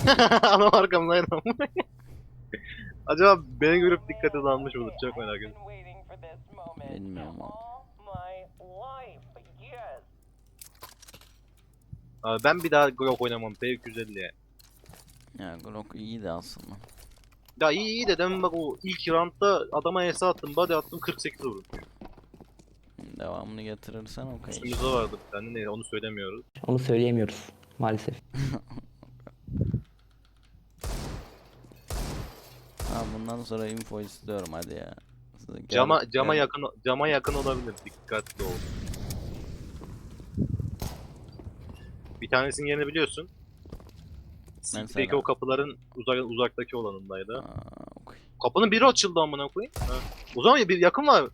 Adam arkamdaydı ama. Acaba beni görüp dikkate dalmış mıdır? Çok merak ediyorum. Bilmiyorum abi. Abi ben bir daha Glock oynamam. P250'ye. Ya Glock iyiydi aslında. Ya iyi de demin bak o ilk roundda adama ES attım, body attım 48 vurdum. Devamını getirirsen okey. Üstümüzde vardı bir tane, neydi onu söylemiyoruz. Onu söyleyemiyoruz maalesef. Ha, bundan sonra info istiyorum hadi ya. Cama gel. yakın olabilir, dikkatli ol. Bir tanesinin yerini biliyorsun. City'deki Mesela. o kapıların uzaktaki olanındaydı. Aa, okey. Kapının biri açıldı amına koyayım. Ha. O zaman ya bir yakın var.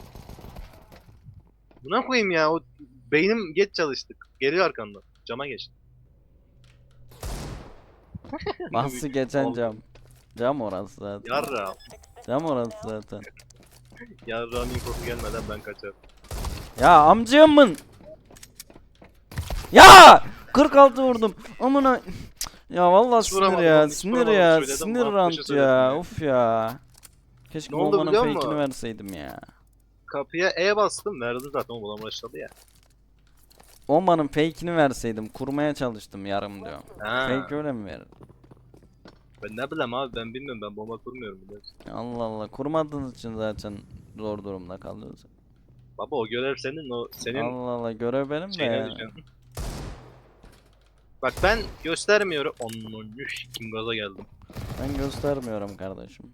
Buna koyayım ya, o beynim geç çalıştık. Geliyor arkandan. Cama geç. Bahsi geçen Oldu. cam. Cam orası zaten. Yarra. Cam orası zaten. Yarra'nın infosu gelmeden ben kaçarım. Ya amcamın. Ya 46 vurdum. Amına. Ya vallahi Hiç sinir vuramadım ya. oğlum, hiç Sinir vuramadım ya. söyledim, Sinir bana rant koşu söyledim ya. ya. Of ya. Keşke Ne oldu bombanın biliyor fake'ini musun? verseydim ya. Kapıya E bastım, verdi zaten, o bana başladı ya. Bombanın fake'ini verseydim. Kurmaya çalıştım yarım diyorum. Ha. Fake öyle mi verir? Ben ne bileyim abi, ben bilmiyorum, ben bomba kurmuyorum biliyorsun. Allah Allah. Kurmadığınız için zaten zor durumda kalıyoruz. Baba o görev senin, o senin Allah Allah, görev benim de şeyine ya. düşen. Bak ben göstermiyorum. Onun kim gaza geldim. Ben göstermiyorum kardeşim.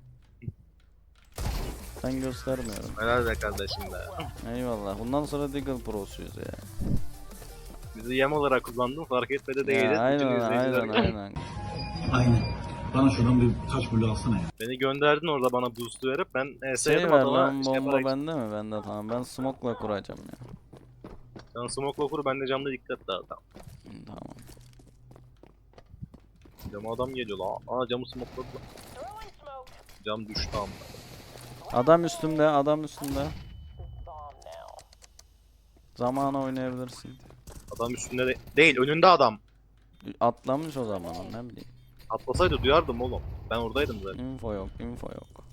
Ben göstermiyorum. Helal be kardeşim be. Eyvallah. Bundan sonra Deagle Pro'suyuz ya. Bizi yem olarak kullandın, fark etmedi değiliz. Ya Bütün aynen izleyiciler aynen aynen. Aynen. Bana şuradan bir taş bulu alsana ya. beni gönderdin orada bana boost verip ben Şey ES'ydim ver adama lan, şey bomba yaparak. bende mi? Bende, tamam. Ben smoke'la kuracağım ya. Sen smoke'la kur, ben de camda dikkat dağıtam. Tamam. Cama adam geliyor la. Aa, camı smoke'ladı lan. Cam düştü ama. Adam üstümde, adam üstümde. Zamana oynayabilirsin. Adam üstünde değil, önünde adam. Atlamış o zaman, ne bileyim. Atlasaydı duyardım oğlum. Ben oradaydım zaten. Info yok, info yok.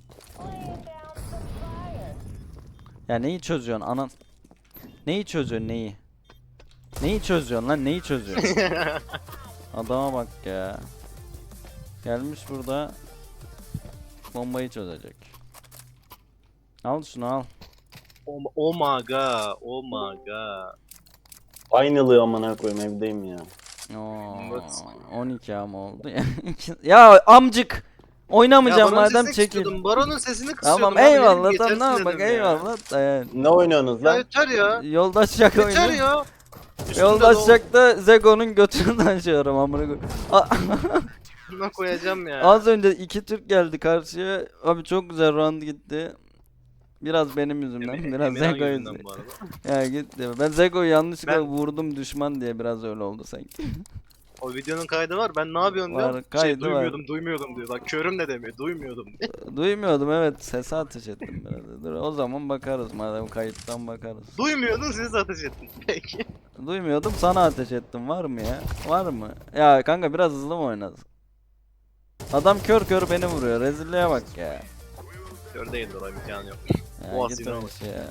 Ya neyi çözüyorsun anan? Neyi çözüyorsun, neyi? Neyi çözüyorsun lan, neyi çözüyorsun? Adama bak ya. Gelmiş burada bombayı çözecek. Al şunu al. Oh my god, oh my god. Aynılığı amına koyayım, evdeyim ya. Oo, Evet. 12 ama oldu ya. Ya amcık. Oynamayacağım Baron'un madem, sesini çekil. kısıyordum, Baron'un sesini kısıyordum. Tamam abi, benim eyvallah, geçersin tamam bak dedim ya. eyvallah. Ne oynuyorsunuz Ya lan? yeter ya. Yoldaşacak Yeter oyunu. ya. Üstünde Yoldaşacak da Zego'nun götünü taşıyorum amına koyayım. Buna koyacağım ya. Az önce iki Türk geldi karşıya. Abi çok güzel round gitti. Biraz benim yüzümden, biraz Emirhan Zego yüzünden yüzünden. bu arada. Ya gitti. Ben Zego'yu yanlışlıkla Ben- vurdum düşman diye, biraz öyle oldu sanki. O videonun kaydı var. Ben ne yapıyorsun Var, diyorum. kaydı var. Duymuyordum diyor. Bak körüm ne demiyor. Duymuyordum diyor. Duymuyordum, evet, sese ateş ettim biraz. Dur, o zaman bakarız, madem kayıttan bakarız. Duymuyordun, siz ateş ettin. Peki. Duymuyordum, sana ateş ettim, var mı ya? Var mı? Ya kanka biraz hızlı mı oynadın? Adam kör kör beni vuruyor, rezilliğe bak ya. Kör değildir, o imkanı yok. Ya Bu git asine o bak. işe ya.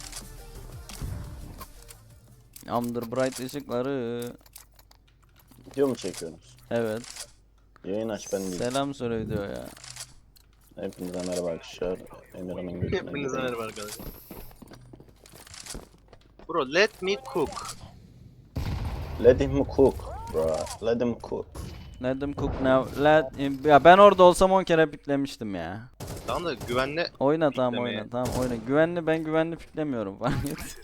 Amdır bright ışıkları. Video mu çekiyorsunuz? Evet. Yayın aç, ben değil. Selam söyle video ya. Hepinize merhaba arkadaşlar. Emirhan'ın götüne Hepinize gidelim. merhaba arkadaşlar. Bro, let me cook. Let him cook bro. Let him cook. Let them cook now. Ya ben orada olsam 10 kere piklemiştim ya. Tamam da güvenli. Oyna tamam, Piklemeye. oyna tamam, oyna. Ben güvenli piklemiyorum fark et.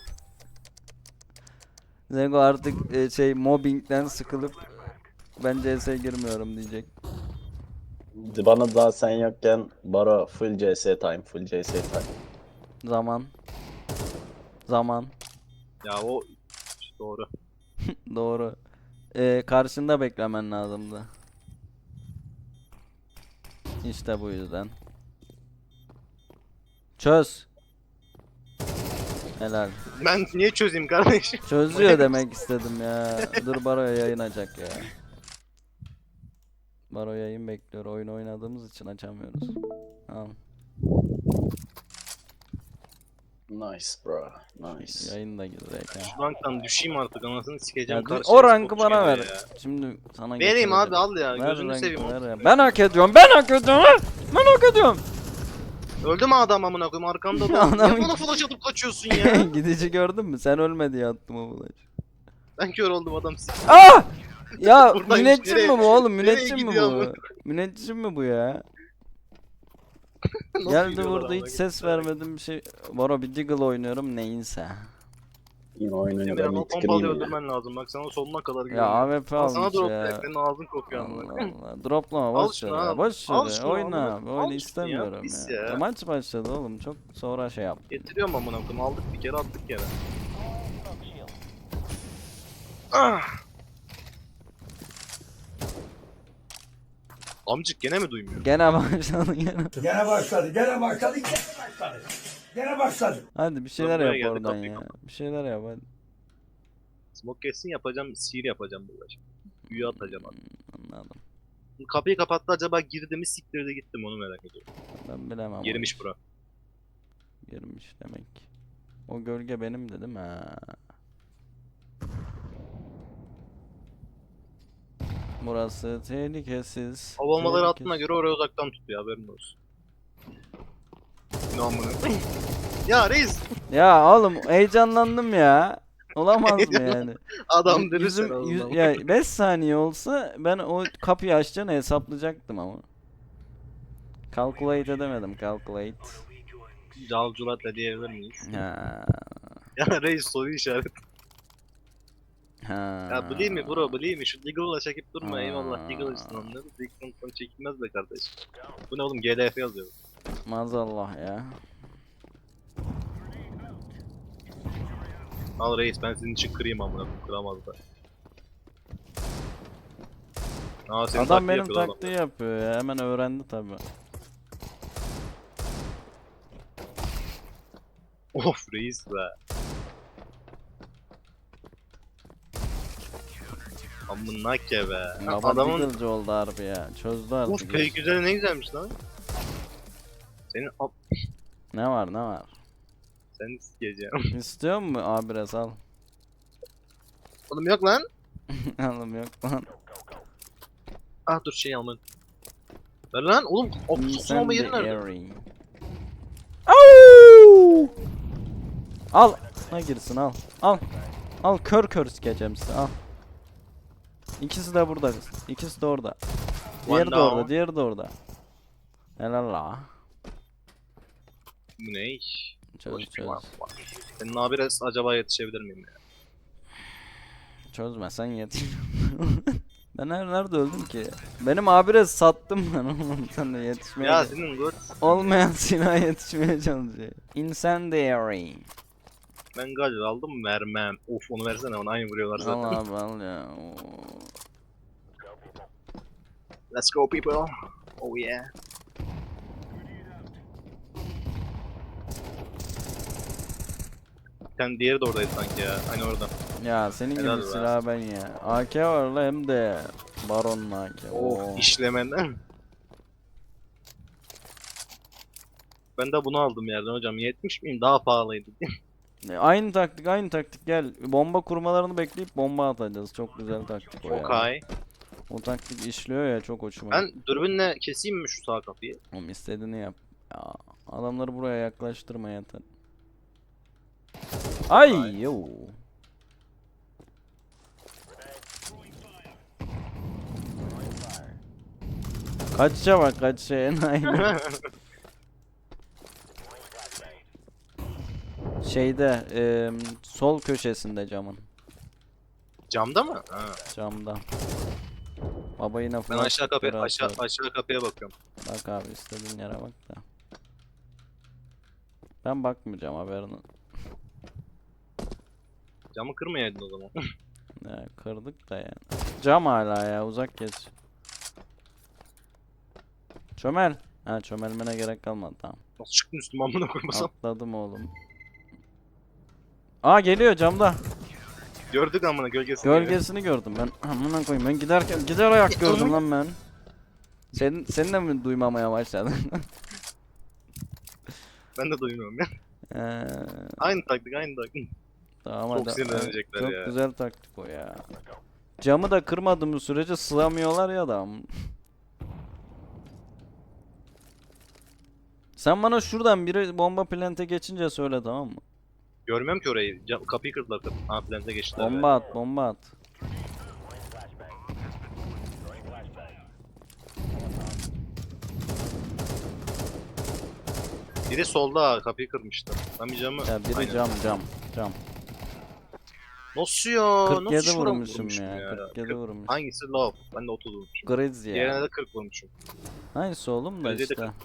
Zego artık mobbingden sıkılıp ben CS'ye girmiyorum diyecek. Bana daha sen yokken Baro full CS time, full CS time. Zaman. Zaman. Ya o doğru. Doğru. Karşında beklemen lazımdı. İşte bu yüzden. Çöz. Helal. Ben niye çözeyim kardeşim? Çözüyor demek istedim ya. Dur Baro'ya yayın açacak ya. Baro yayın bekliyor. Oyun oynadığımız için açamıyoruz. Tamam. Nice bro. Nice. Yayın da girecek ha. Şu ranktan düşeyim artık anasını sikeceğim. Ya, Karşıya o rankı spot bana ver. çıkıyor ya. Şimdi sana Vereyim getireceğim. abi al ya. Ver Gözünü rankı, seveyim. ver ya. Ben hak ediyorum. Ben hak ediyorum. Ha? Ben hak ediyorum. Öldü mü adam amına koyayım arkamda da. Adamın- Niye bana flash atıp kaçıyorsun ya? Gidici gördün mü? Sen ölme diye attım o bulaşı. Ben kör oldum adam sik. Ah! Ya Buradaymış, müneccim nereye- mi bu oğlum? nereye Müneccim mi gidiyor bu? bu? Müneccim mi bu ya? Nasıl Geldi gidiyorlar burada hiç amına ses koyayım? vermedim bir şey. Baro bir Deagle oynuyorum neyse. Yine oyununu Emre ben ama bitireyim pompalı ya. öldürmen lazım. Bak sana sonuna kadar Ya güveniyorum. AWP Al sana almış drop ya. direkt. Senin ağzın kokuyor amına Allah koyayım. Allah. Droplama Al boş ver şunu ya. al. Boş Al ver. şunu, Oyna al abi. bunu. Oyna Al şunu ya, istemiyorum pis ya. ya. Maç başladı oğlum. Çok sonra şey yap. Getiriyorum amına koyayım. Aldık bir kere attık yere. Ah! Amcık gene mi duymuyor? Gene başladı gene. Gene başladı, gene başladı, gene başladı. Gene başladı. Hadi bir şeyler buraya yap geldi, oradan kapıyı ya. Bir şeyler yap hadi. Smoke kesin yapacağım. Sihir yapacağım burada şimdi. Büyü atacağım abi. Anladım. Kapıyı kapattı acaba girdi mi siktirdi gittim onu merak ediyorum. Ben bilemem. Girmiş bura. Girmiş demek. O gölge benim dedim ha. Burası tehlikesiz. Hava olmaları tehlikesiz. attığına göre oraya uzaktan tutuyor haberin olsun. Ne amına. Ya reis Ya oğlum heyecanlandım ya. Olamaz mı yani? adam dedi Yüzüm, sen oğlum. ya 5 saniye olsa ben o kapıyı açacağını hesaplayacaktım ama. Calculate edemedim, calculate. Calculat da diyebilir miyiz? Ha. Ya reis soru işareti. Ha. Ya bileyim mi bro bileyim mi? Şu Deagle'la çekip durma Ha. eyvallah Deagle için onları. Deagle'dan çekilmez be kardeşim. Bu ne oğlum GLF yazıyor. Maazallah ya. Al reis ben senin için kırayım amına koyayım, kıramazlar. Aa senin Adam benim yapıyor adam. taktiği yapıyor ya. Hemen öğrendi tabi. Of reis be. Amına ke be. Baba Adamın Deagle'cı oldu harbi ya. Çözdü artık. of pek güzel ne güzelmiş lan. Senin Ne var ne var? sen sikeceğim. İstiyor mu abi biraz al. Oğlum yok lan. Alım yok lan. Ah dur şey almadım. Ver lan oğlum. Sosun alma yeri nerede? Incendiary. Au! Al. Ne girsin al. Al. Al kör kör sikeceğim size al. İkisi de burada. İkisi de orada. Diğeri de down. orada. Diğeri de orada. Helal la. Bu ne? Çöz Boş bir çöz. var. Senin abire acaba yetişebilir miyim ya? Çözmesen yetiş. Ben nerede öldüm ki? Benim abire sattım ben oğlum. Sen de yetişmeye Ya senin gör. olmayan silah yetişmeye çalışıyor. Incendiary. Ben galiba aldım vermem. Of onu versene onu aynı vuruyorlar zaten. Al abi al ya. Oo. Let's go people. Oh yeah. Sen diğeri de oradaydı sanki ya. Aynı orada. Ya senin Helal gibi be. silah ben ya. AK var la hem de Baron'la AK. Oo. Of işlemeden. Ben de bunu aldım yerden hocam. 70 miyim? Daha pahalıydı. Aynı taktik aynı taktik gel. Bomba kurmalarını bekleyip bomba atacağız. Çok güzel taktik o ya. Çok high. O taktik işliyor ya çok hoşuma. Ben dürbünle keseyim mi şu sağ kapıyı? Oğlum istediğini yap. Ya, adamları buraya yaklaştırma yeter. Ay yo. Kaçça bak kaçça enayi. Şeyde sol köşesinde camın. Camda mı? Ha. Camda. Baba yine Ben flash aşağı kapıya kickleri aşağı atıyor. aşağı kapıya bakıyorum. Bak abi istediğin yere bak da. Ben bakmayacağım haberini. Camı kırmayaydın o zaman. Ya, kırdık da yani. Cam hala ya uzak geç. Çömel. Ha çömelmene gerek kalmadı tamam. Nasıl çıktın üstüme amına koymasam? Atladım oğlum. Aa geliyor camda. Gördük amına gölgesini. Gölgesini gördüm ben. Amına koyayım ben giderken gider ayak gördüm lan ben. Senin de mi duymamaya başladın? Ben de duymuyorum ya. Ee, Aynı taktik, aynı taktik. tamam Çok hadi. sinirlenecekler Çok ya. güzel taktik o ya. Camı da kırmadığımız sürece sığamıyorlar ya adam. Sen bana şuradan biri bomba plante geçince söyle, tamam mı? Görmüyorum ki orayı. Kapıyı kırdılar. Ha, plante geçtiler. Bomba at, bomba at. Biri solda ha, kapıyı kırmıştı. Ben bir camı... Ya biri Aynen. cam. Nasıl ya? 47 Nasıl şuradan vurmuşum ya. 47 vurmuş. Hangisi low? Ben de 30 vurmuşum. Griz Diğerine ya. de 40 vurmuşum. Hangisi oğlum da Grizz'e de işte.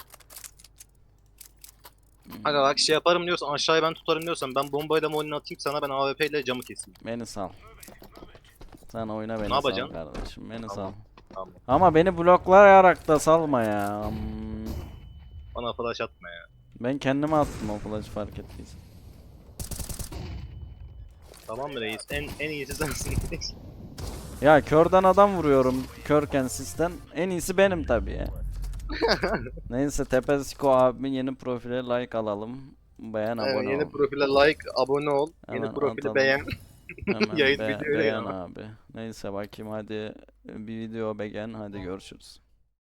Aga bak şey yaparım diyorsan, aşağıya ben tutarım diyorsan, ben bombayla molini atayım sana, ben AWP ile camı keseyim. Beni sal. Sen oyna, beni Ne sal yapacaksın? kardeşim. Beni Tamam. sal. Tamam. Ama beni bloklayarak da salma ya. Bana flash atma ya. Ben kendime attım o flash'ı, fark ettiysen. Tamam mı reis? En iyisi sensin. Ya körden adam vuruyorum. Körken sizden. En iyisi benim tabii ya. Neyse, Tepesiko abimin yeni profile like alalım. Beğen, Evet, abone yeni ol. profile like, abone ol. Hemen Yeni profili atalım. beğen. Hemen Yayın videoyu beğen ya. abi. Neyse bakayım hadi, bir video beğen, hadi görüşürüz.